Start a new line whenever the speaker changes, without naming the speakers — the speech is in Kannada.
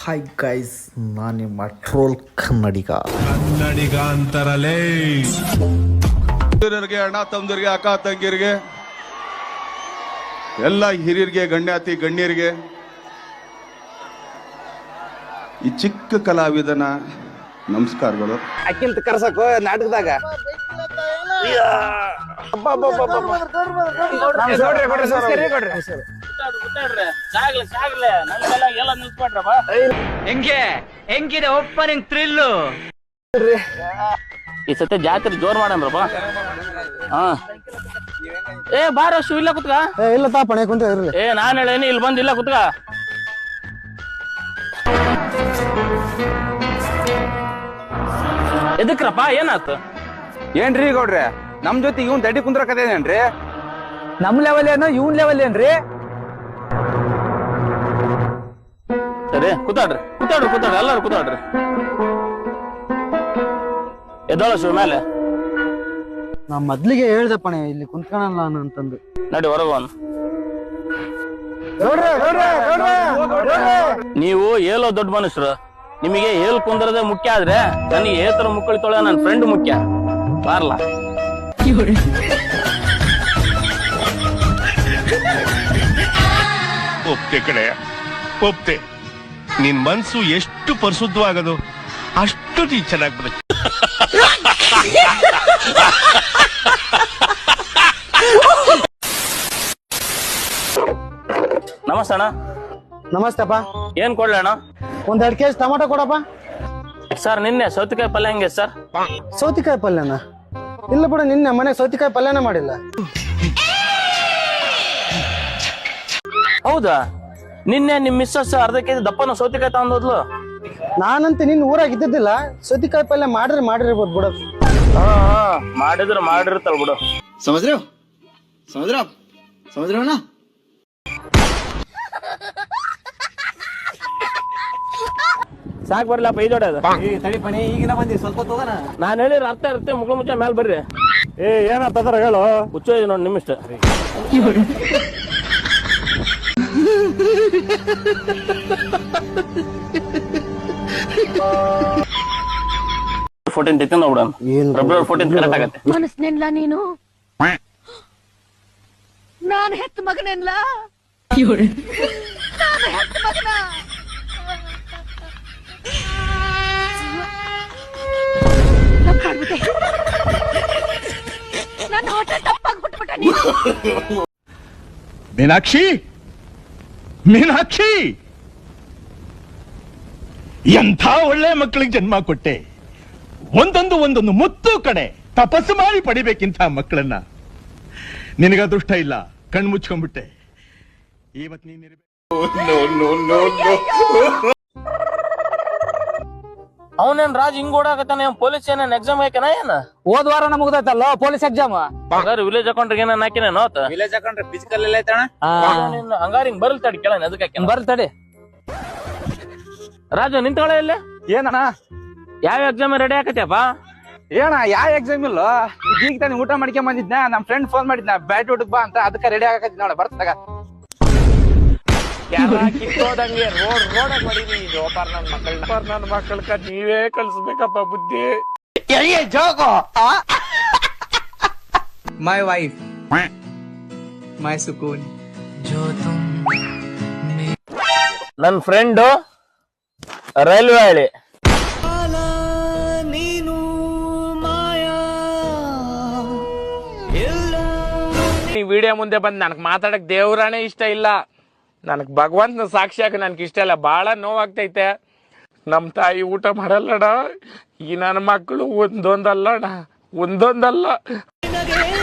ಹಾಯ್ ಗೈಸ್, ನಾನು ನಿಮ್ಮ ಟ್ರೋಲ್ ಕನ್ನಡಿಗ
ಅಂತಾರಲೇ. ಹಿರಿಯರಿಗೆ, ಅಣ್ಣ ತಮ್ಮದಿರಿಗೆ, ಅಕ್ಕ ತಂಗಿಯರಿಗೆ, ಎಲ್ಲ ಹಿರಿಯರಿಗೆ, ಗಣ್ಯಾತಿ ಗಣ್ಯರಿಗೆ, ಈ ಚಿಕ್ಕ ಕಲಾವಿದನ ನಮಸ್ಕಾರಗಳು.
ಅಕ್ಕಿಂತ ಕರ್ಸಕ್ ನಾಟಕದಾಗ
ಹೆಂಗಿದೆ ಓಪನಿಂಗ್ ಥ್ರಿಲ್ಲು.
ಈ ಸತಿ ಜಾತ್ರೆ ಜೋರ್ ಮಾಡನ್ರಪ್ಪ. ಹಾ ಏ ಬಾರ ಶೂ ಇಲ್ಲ ಕುತ್ಕ.
ಇಲ್ಲ ತಾಪಣೆ ಕುಂತ ಇರ್ಲಿ.
ನಾನ್ ಹೇಳೇನಿ ಇಲ್ಲಿ ಬಂದ್ ಇಲ್ಲ ಕುತ್ಕ. ಎದಕ್ರಪ್ಪ ಏನಾಯ್ತು?
ಏನ್ರಿ ಗೌಡ್ರೆ, ನಮ್ ಜೊತೆ ಇವ್ನ್ ತಡಿ ಕುಂದ್ರಕದೇನೇನ್ರಿ? ನಮ್ ಲೆವೆಲ್ ಏನೋ ಇವ್ನ್ ಲೆವೆಲ್ ಏನ್ರಿ?
ಸರಿ ಕೂತಾಡ್ರಿ ಎಲ್ಲಾರು ಕೂತಾಡ್ರಿ. ಎದ್ದೋಳ ಶಿವ ಮೇಲೆ.
ನಾ ಮೊದ್ಲಿಗೆ ಹೇಳ್ದಪ್ಪಣೆ ಇಲ್ಲಿ ಕುಂತ್ಕೊಳಲ್ಲ ಅಂತಂದು.
ನಡಿ ಹೊರಗೋನ್. ನೀವು ಏಲೋ ದೊಡ್ಡ ಮನುಷ್ಯರು, ನಿಮಗೆ ಏಲ್ ಕುಂದ್ರದೆ ಮುಖ್ಯ ಆದ್ರೆ ನನಗೆ ಏತರ ಮುಕ್ಕಳಿ ತೊಳೆ ನನ್ನ ಫ್ರೆಂಡ್ ಮುಖ್ಯ. ಬಾರ್ಲ
ಒಪ್ತೆ ಕಡೆ ಒಪ್ತೆ. ನಿನ್ ಮನ್ಸು ಎಷ್ಟು ಪರಿಶುದ್ಧವಾಗದು ಅಷ್ಟು ನೀ ಚೆನ್ನಾಗಿ ಬರುತ್ತೆ.
ನಮಸ್ತೆ ಅಣ್ಣ.
ನಮಸ್ತೆಪ್ಪ.
ಏನ್ ಕೊಡ್ಲಿ ಅಣ್ಣ?
ಒಂದ್ 2 ಕೆಜಿ ಟೊಮಾಟೊ ಕೊಡಪ್ಪ.
ಸರ್ ನಿನ್ನೆ ಸೌತೆಕಾಯಿ ಪಲ್ಯ ಹೆಂಗೆ ಸರ್?
ಸೌತಿಕಾಯಿ ಪಲ್ಯನ? ಇಲ್ಲ ಬಿಡು, ನಿನ್ನೆ ಮನೆ ಸೌತಿಕಾಯಿ ಪಲ್ಯನೇ ಮಾಡಿಲ್ಲ.
ಹೌದಾ? ನಿನ್ನೆ ನಿಮ್ ಮಿಸ್ಸಸ್ ಅರ್ಧ ಕೆಜಿ ದಪ್ಪನ ಸೌತೆಕಾಯಿ ತಗೊಂಡೋದ್ಲು.
ನಾನಂತ ನಿನ್ ಊರಾಗ ಇದ್ದಿದ್ದಿಲ್ಲ. ಸೌತಿಕಾಯಿ ಪಲ್ಯ ಮಾಡಿರ್ಬೋದು ಬಿಡು.
ಮಾಡಿರ್ತಾಳ ಬಿಡು.
ಸಮುದ್ರ
ಸಾಕ್ ಬರ್ಲಪ್ಪ ಈ ಜೋಡಿ ಅದು.
ಈಗಿನ ಬಂದಿ ಸ್ವಲ್ಪ ತಗೋಣ.
ನಾನ್ ಹೇಳಿರ ಅರ್ಥ ಇರುತ್ತೆ. ಮುಗ್ಳು ಮುಚ್ಚ ಮೇಲೆ ಬರ್ರಿ.
ಏನಂತ ಹೇಳು.
ಹುಚ್ಚ ನೋಡಿ ನಿಮ್ಮಿಷ್ಟ. 14 ತೆತ್ತಿನ ನೋಡ. ಫೆಬ್ರವರಿ 14 ಕರೆಕ್ಟ್ ಆಗತ್ತೆ.
ಮನಸ್ನೆಲ್ಲ ನೀನು ನಾನು ಹೆತ್ತ ಮಗನೆಲ್ಲ. ನಾನು ಹೆತ್ತ ಮಗನ. ನನ್ನ ಹೊಟ್ಟೆ ತಪ್ಪಾಗಿ ಬಿಟ್ಬಿಟ್ಟ ನೀನು.
ಮೀನಾಕ್ಷಿ, ಎಂಥ ಒಳ್ಳೆ ಮಕ್ಕಳಿಗೆ ಜನ್ಮ ಕೊಟ್ಟೆ. ಒಂದೊಂದು ಮುತ್ತು ಕಡೆ ತಪಸ್ಸು ಮಾಡಿ ಪಡಿಬೇಕಿಂತ ಮಕ್ಕಳನ್ನ. ನಿನಗ ಅದೃಷ್ಟ ಇಲ್ಲ, ಕಣ್ಣು ಮುಚ್ಕೊಂಡ್ಬಿಟ್ಟೆ. ಇವತ್ತು ನೀನಿರ್ಬೇಕು.
ಅವನೇನ್ ರಾಜ್ ಹಿಂಗ್ ಓಡಾಕತ್ತಾನ? ಪೊಲೀಸ್ ಏನೇನ್ ಎಕ್ಸಾಮ್ ಹಾಕ್ಯಾನ ಏನ?
ಹೋದ್ ವಾರ ಮುಗ್ದೈತಲ್ಲ ಪೊಲೀಸ್ ಎಕ್ಸಾಮ್.
ವಿಲೇಜ್ ಅಕೌಂಟ್ರಿಗೆ ಏನೇನ್ ಹಾಕಿನೇನೋ?
ವಿಲೇಜ್ ಅಕೌಂಟ್ ಫಿಸಿಕಲ್ ಎಲ್ಲ ಐತಣ.
ಹಂಗಾರ ಹಿಂಗ್ ಬರ್ಲ್ ತಡಿ ಕೇಳ ಅದಕ್ಕೆ
ಬರ್ಲ್ ತಡಿ.
ರಾಜು ನಿಂತ್ಕೊಳ್ಳೆ ಇಲ್ಲ.
ಏನಣ್ಣ
ಯಾವ ಎಕ್ಸಾಮ್ ರೆಡಿ ಆಕತ್ಯಪ್ಪ?
ಏನ ಯಾವ ಎಕ್ಸಾಮ್ ಇಲ್ಲ. ಈಗ ತಾನೆ ಊಟ ಮಾಡ್ಕೊಂಡ್ ಬಂದಿದ್ನ. ನಮ್ ಫ್ರೆಂಡ್ ಫೋನ್ ಮಾಡಿದ್ನ ಬ್ಯಾಟ್ ಊಟಕ್ ಬಾ ಅಂತ. ಅದಕ್ಕೆ ರೆಡಿ ಆಗಕತ್ತಿ ನೋಡ. ಬರ್ತಾಗ
ಕಿತ್ತೋದಂಗೆ ರೋಡಾಗ ಮಾಡಿದೀನಿ. ನನ್ನ ಮಕ್ಕಳ ನೀವೇ ಕಲ್ಸ್ಬೇಕಪ್ಪ ಬುದ್ಧಿ.
My wife, my sukoon.
ನನ್ ಫ್ರೆಂಡ್ ರೈಲ್ವೆ ಹಳಿ.
ಈ ವಿಡಿಯೋ ಮುಂದೆ ಬಂದ್ ನನಗ್ ಮಾತಾಡಕ್ ದೇವ್ರಾನೇ ಇಷ್ಟ ಇಲ್ಲ. ನನಗ್ ಭಗವಂತನ ಸಾಕ್ಷಿಯಾಗ ನನ್ಗೆ ಇಷ್ಟ ಇಲ್ಲ. ಬಹಳ ನೋವಾಗ್ತೈತೆ. ನಮ್ ತಾಯಿ ಊಟ ಮಾಡಲ್ಲಡ. ಈ ನನ್ನ ಮಕ್ಕಳು ಒಂದೊಂದಲ್ಲ.